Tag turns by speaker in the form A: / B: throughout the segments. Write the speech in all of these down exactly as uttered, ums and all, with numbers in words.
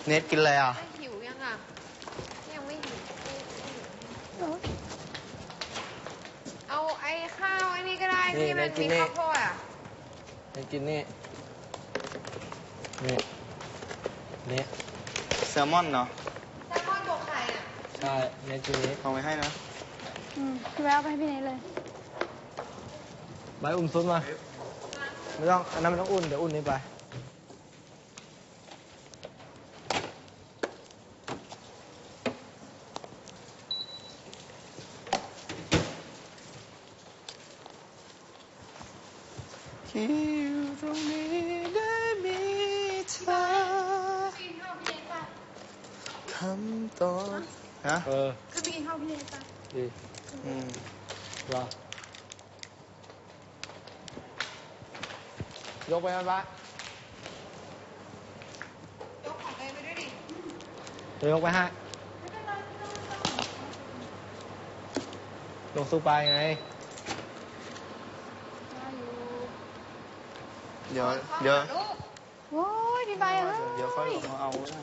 A: เน็ตกินอะไรอ่ะ
B: หิวยังอ่ะยังไม่หิวเอาไอ้ข้าวไอ้นี่ก็ได้ที่มันมีข้าวโพดอ่ะ
C: เน็ตกินนี่นี่นี่
A: แซลมอนเนาะ
B: แซลมอนบวกไข่อ่ะ
C: ใช่เน็ตกินนี้
A: เอาไว้ให้นะ
D: อืมพี่แววไปให้พี่เนทเลย
C: ใบอุ่นซุปมาไม่ต้องอันนั้นไม่ต้องอุ่นเดี๋ยวอุ่นนี้ไป
A: ที่อยู่ตรงนี้ได้มีเธอคำตอบฮะ
C: เออ
D: ก็ไปกินข้าวพี่เนทไป
C: ดี
A: อืม
C: รอยกไปมันปะ
B: ยกของเองไปด้วยดิ
C: เดี๋ยวยกไปให้ลงสู้ไปไง
A: เดี๋ยวเดี๋ยว
D: โอ้ยพี่ใบอ่ะ
A: เดี๋ยวค่อยลงมาเอานะ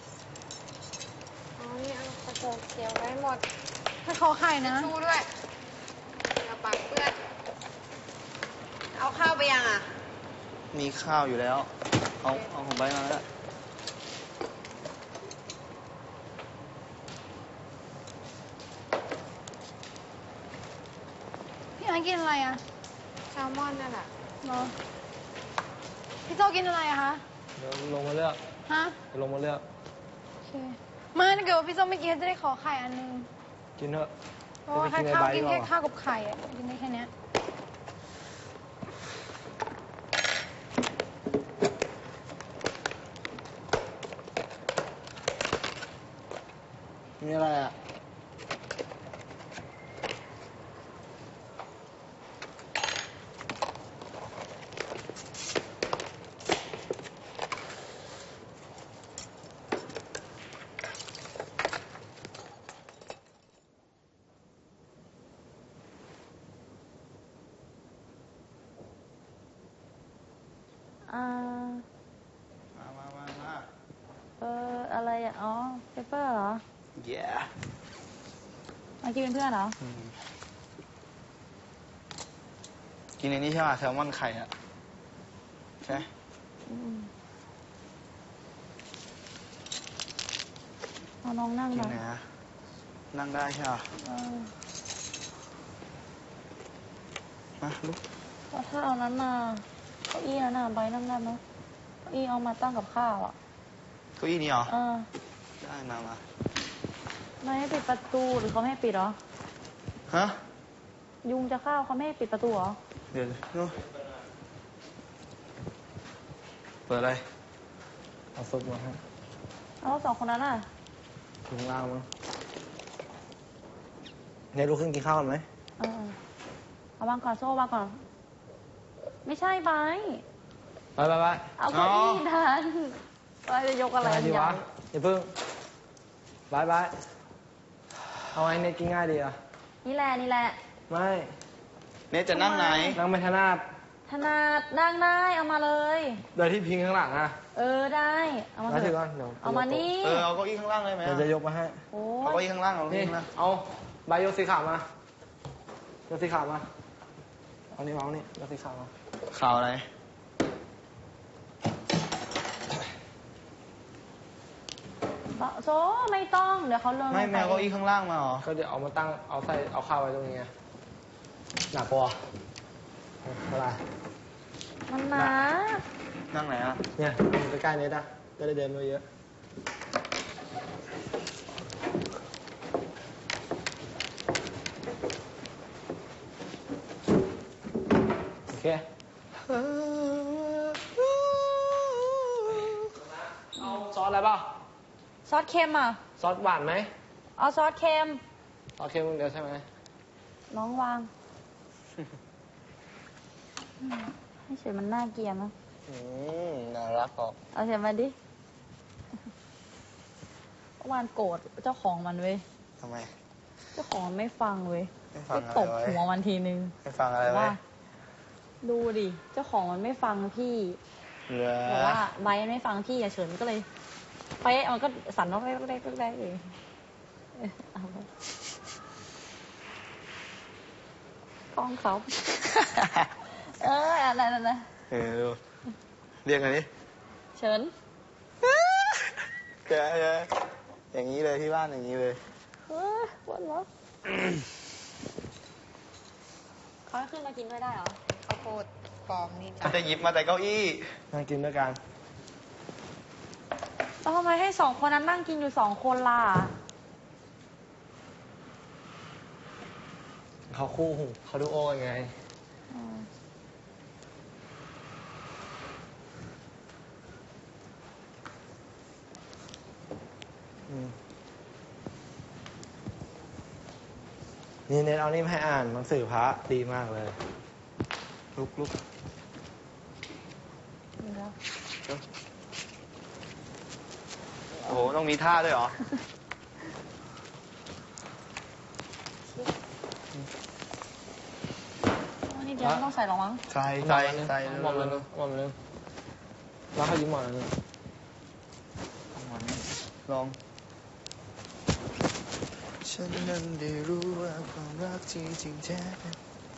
B: อ๋อนี่เอากระโปรงเขียวไว้หมด
D: ให้ขอไข่นะ
B: ชูด้วยกระปักเปื้อนเอาข้าวไปยังอ่ะ
A: มีข้าวอยู่แล้วเอาเอาของใบมาแล้ว
D: พี่ไอกินอะไรอ่ะ
B: แซลมอนนั่นแหละ
D: เนาะพี่โจกินอะไรอะคะ
C: เดี๋ยวลงมาเลือก
D: ฮะ
C: เดี๋ยวลงมาเลือก
D: โอเคมาถ้าเกิดว่าพี่โจไม่กินจะได้ขอไข่อันนึง
C: กินเถอะ
D: เพราะว่าแค่ข้าวกินแค่ข้าวกับไข่อะกินได้แค่นี้
C: มีอะไรอ่ะ
E: อ่า
A: มามามามา
E: เอออะไรอ่ะอ๋อเปเปอร์เหรอ
A: yeah
E: มากินเป็นเพื่อนเหรอ
A: กินในนี้ใช่ไหมแซลมอนไข่อะใช่
E: เอาน้องนั่ง
A: กิน
E: หน่อย
A: ไหนอะนั่งได้ใช่ไหมมาลุก
E: แล้วถ้าเอานั้นมาเก้าอี้นั้นน่ะใบนั่งได้ไหมเก้าอี้เอามาตั้งกับข้าวอ่ะ
A: เก้าอี้นี้เหรอ
E: เออ
A: ได้มามา
E: ไม่ให้ปิดประตูหรือเขาไม่ให้ปิดเหรอ
A: ฮะ
E: ยุงจะเข้าเขาไม่ให้ปิดประตูเหรอ
A: เดี๋ยวนู้เปิดอะไร
C: เอาซุปมาให้
E: แล้วสองคนนั้นอ่ะ
C: ถึงล่างมั้งเนี่ยลุกขึ้นกินข้าวกันไหม
E: เออเอาวางก่อนโซ่วางก่อนไม่ใช่ใบ
C: ไปไปไป
E: เอาเก้าอี้ดันไปจะยกอะไร
C: ดีวะอย่าเพิ่งบายบายเอาไงเนี่ยกินง่ายดีอ่ะ
E: นี่แหละนี่แหละ
C: ไม่
A: เนี่ยจะนั่งไหน
C: นั่งไม่ถนัด
E: ถนัดนั่งได้เอามาเลย
C: โดยที่พิงข้างหลังอ่ะ
E: เออได้เอามาเถอะเอามานี่
A: เออเอาเก้าอี้ข้างล่างเลยไหม
C: เราจะยกมาให้
A: เอาเก้าอี้ข้างล่างเอา
C: นี่เอาใบโยสีขาวมาโยสีขาวมาเอานี่มาเอานี่โยสีขาวมา
A: ขาวอะไร
E: โซ่ไม่ต้องเดี๋ยวเขาลง
A: ไม่แมวเก้าอี้ข้างล่างมาหรอ
C: ก็เดี๋ยวเอามาตั้งเอาใส่เอาข้าวไว้ตรงนี้หนักกว่าอะไร
E: มันหนัก
A: นั่งไหนอ่ะ
C: เนี่ยใกล้ๆนี้นะจะได้เดินไม่เยอะโอเคเอาซอสอะไรบ้าง
E: ซอสเค็มอ่ะ
C: ซอสหวานไหม
E: เอาซอสเค็ม
C: ซอสเค็มเดียวใช่ไหม
E: น้องวางให้เฉยมันน่าเกลียดนะ
A: อืมน่ารักออก
E: เอาเฉยมาดิเมื่อวานโกรธเจ้าของมันเว้ย
A: ทำไม
E: เจ้าของไม่ฟังเว้ย
A: ไป
E: ตบหัวมันทีนึง
A: ไม่ฟังอะไรวะ
E: ดูดิเจ้าของมันไม่ฟังพี่บอกว่าใบไม่ฟังพี่อย่าเฉินก็เลยไปมันก็สั่นน้องเล็กเล็กเล็กเองเออเอาไปกล้องเขา เอออะไรนั่นนะ
A: เออดูเรียกกันดิ
E: เฉิน
A: แกแกอย่างนี้เลยที่บ้านอย่างนี้เลย
E: เฮ้ยปวดหัวเขาให้ขึ้นมากินด้วยได้เหรอ
B: ข้าวโพดปลอมนี่จ้ะ
A: เขาจะหยิบมาแต่เก้าอี้
C: นั่งกินด้วยกัน
E: แล้วทำไมให้สองคนนั้นนั่งกินอยู่สองคนล่ะ
C: เขาคู่หูเขาดูโอยังไง
E: อืม
C: อืมนี่เน็ตเอานี่มาให้อ่านหนังสือพระดีมากเลย
A: ลุกลุก
E: เดี๋ยว
A: โอ้โห ต้องมีท่าด้วยเหรอ
E: อันนี้เดี๋ยวไม่ต้องใส่หรอกมั้ง
A: ใส่ใส่ใส่
C: หมอมเลยนะหมอมเลยแล้วเขายิ้มหมอนเลย
A: ลอง ฉันนั้นได้รู้ว่าความรักที่จริงแท้เป็น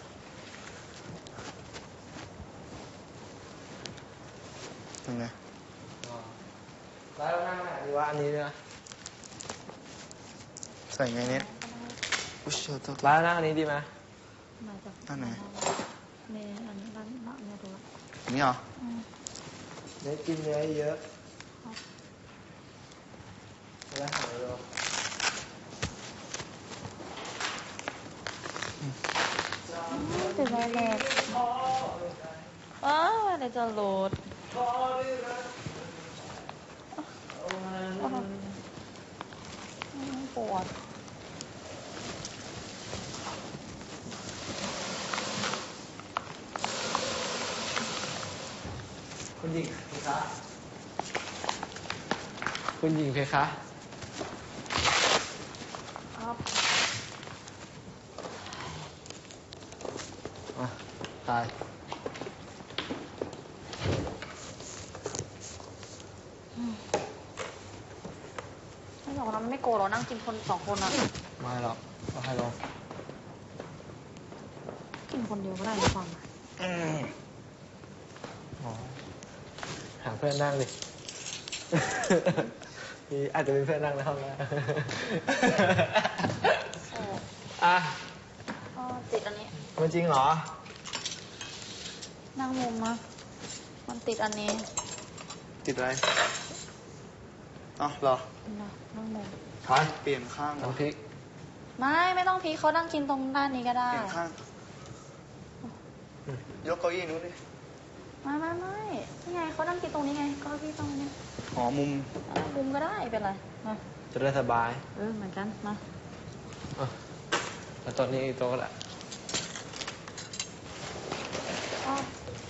A: ยังไง
C: แล้วนั่งไหนดีว่าอันนี้นะ
A: ใส่ไงเน็ตอุ้ยเชียวตัว
C: แล้วนั่งอันนี้ดีไหม
E: มาจาก
A: อันไหน
E: เมย์อันนี้ร้านร้านเมย์ดู
A: นี่เหรอ
E: อืม
C: เน็ตกินเนื้อเยอะแล้วหายเลย
E: ติดอะไรแหลกอ้าวเดี๋ยวจะโหลดปวด
C: คุณหญิงเพคะคุณหญิงเพคะ
E: ครับ
C: อ่ะตาย
E: ไม่หรอกนะมันไม่โกรธหรอกนั่งกินคนสองคนอะ
C: ไม่หรอกเอาให้ลง
E: กินคนเดียวก็ได้ไม่ฟัง
C: อ๋อหาเพื่อนนั่งดิ มีอาจจะมีเพื่อนนั่งในห้องนะ
E: โอ้
C: อ่ะ
E: อ๋อติดอันนี้
C: มันจริงเหรอ
E: นั่งมุมนะมันติดอันนี้
A: ติดอะไรอ๋อเหรอ
E: นะนั่งมุม
C: ถอย
A: เปลี่ยนข้างเหรอ
C: น้ำพริก
E: ไม่ไม่ต้องพีคเขานั่งกินตรงด้านนี้ก็ได้
A: เปลี่ยนข้าง ยกเก้าอี้นู้นดิ
E: ไม่ไม่ไม่นี่ไงเขานั่งกินตรงนี้ไงก็พี่ตรงนี้
A: อ๋อ มุม
E: อ่ะมุมก็ได้เป็นไรมา
C: จะได้สบาย
E: เออเหมือนกันมา
C: อ่ะแล้วโต๊ะนี้อีกโต๊ะก็ได้
E: อ๋อ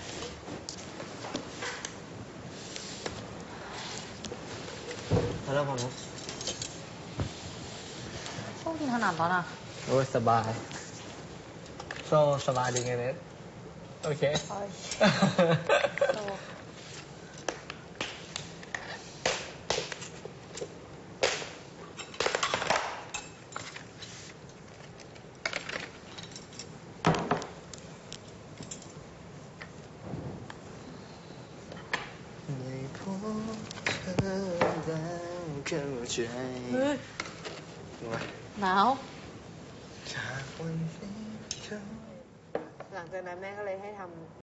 C: แล้วเริ่มของนุ๊ก
E: ชอบกินขนาดนั้นอ่ะ
C: โอ้ยสบายโซสบายดีไงเน็ตโอเค
E: โอ้ยโต
A: ได้พบเธอแล้วเข้าใจ
E: เฮ้ย
C: ดูไหม
E: หนาว
A: จากวันนี้เขา
B: หลังจากนั้นแม่ก็เลยให้ทำ